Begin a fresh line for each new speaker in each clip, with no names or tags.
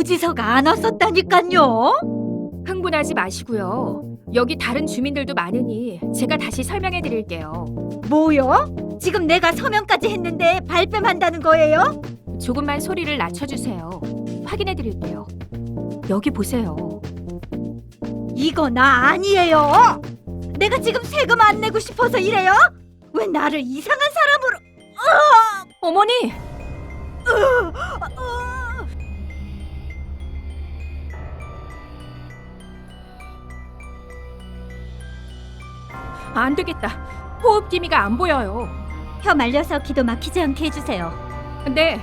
고지서가 안 왔었다니깐요.
흥분하지 마시고요. 여기 다른 주민들도 많으니 제가 다시 설명해 드릴게요.
뭐요? 지금 내가 서명까지 했는데 발뺌한다는 거예요?
조금만 소리를 낮춰주세요. 확인해 드릴게요. 여기 보세요.
이거 나 아니에요. 내가 지금 세금 안 내고 싶어서 이래요? 왜 나를 이상한 사람으로...
어머니! 안 되겠다. 호흡 기미가 안 보여요.
혀 말려서 기도 막히지 않게 해주세요.
네.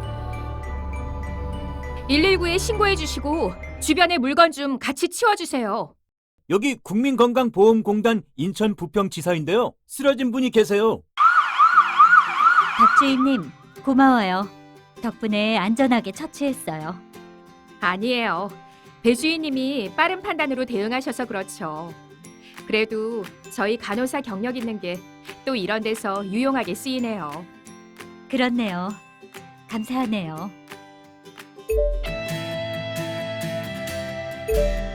119에 신고해 주시고 주변의 물건 좀 같이 치워주세요.
여기 국민건강보험공단 인천 부평지사인데요. 쓰러진 분이 계세요.
박 주임님, 고마워요. 덕분에 안전하게 처치했어요.
아니에요. 배 주인님이 빠른 판단으로 대응하셔서 그렇죠. 그래도 저희 간호사 경력 있는 게 또 이런 데서 유용하게 쓰이네요.
그렇네요. 감사하네요.